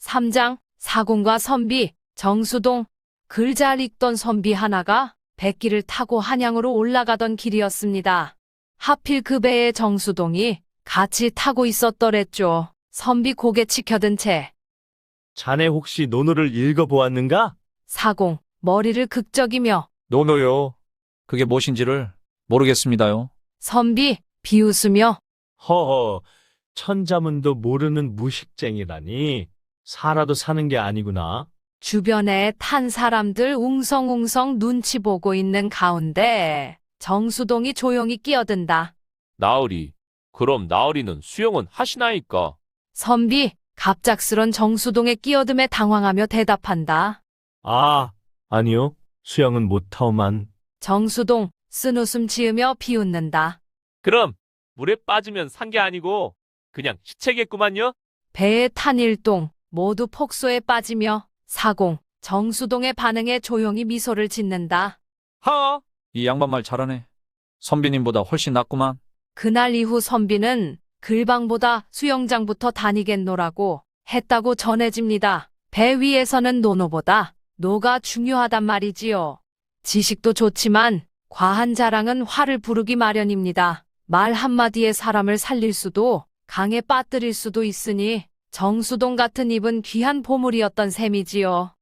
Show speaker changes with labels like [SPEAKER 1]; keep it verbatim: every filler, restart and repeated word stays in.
[SPEAKER 1] 삼 장, 사공과 선비, 정수동. 글 잘 읽던 선비 하나가 백기를 타고 한양으로 올라가던 길이었습니다. 하필 그 배에 정수동이 같이 타고 있었더랬죠. 선비 고개 치켜든 채
[SPEAKER 2] 자네 혹시 논어를 읽어보았는가?
[SPEAKER 1] 사공, 머리를 극적이며
[SPEAKER 3] 노노요. 그게 무엇인지를 모르겠습니다요.
[SPEAKER 1] 선비, 비웃으며
[SPEAKER 2] 허허, 천자문도 모르는 무식쟁이라니. 살아도 사는 게 아니구나.
[SPEAKER 1] 주변에 탄 사람들 웅성웅성 눈치 보고 있는 가운데 정수동이 조용히 끼어든다.
[SPEAKER 4] 나으리. 그럼 나으리는 수영은 하시나이까?
[SPEAKER 1] 선비, 갑작스런 정수동의 끼어듦에 당황하며 대답한다.
[SPEAKER 2] 아, 아니요. 수영은 못하오만.
[SPEAKER 1] 정수동, 쓴웃음 지으며 비웃는다.
[SPEAKER 4] 그럼 물에 빠지면 산 게 아니고 그냥 시체겠구만요?
[SPEAKER 1] 배에 탄 일동 모두 폭소에 빠지며 사공, 정수동의 반응에 조용히 미소를 짓는다.
[SPEAKER 4] 하!
[SPEAKER 3] 이 양반 말 잘하네. 선비님보다 훨씬 낫구만.
[SPEAKER 1] 그날 이후 선비는 글방보다 수영장부터 다니겠노라고 했다고 전해집니다. 배 위에서는 노노보다 노가 중요하단 말이지요. 지식도 좋지만 과한 자랑은 화를 부르기 마련입니다. 말 한마디에 사람을 살릴 수도 강에 빠뜨릴 수도 있으니 정수동 같은 입은 귀한 보물이었던 셈이지요.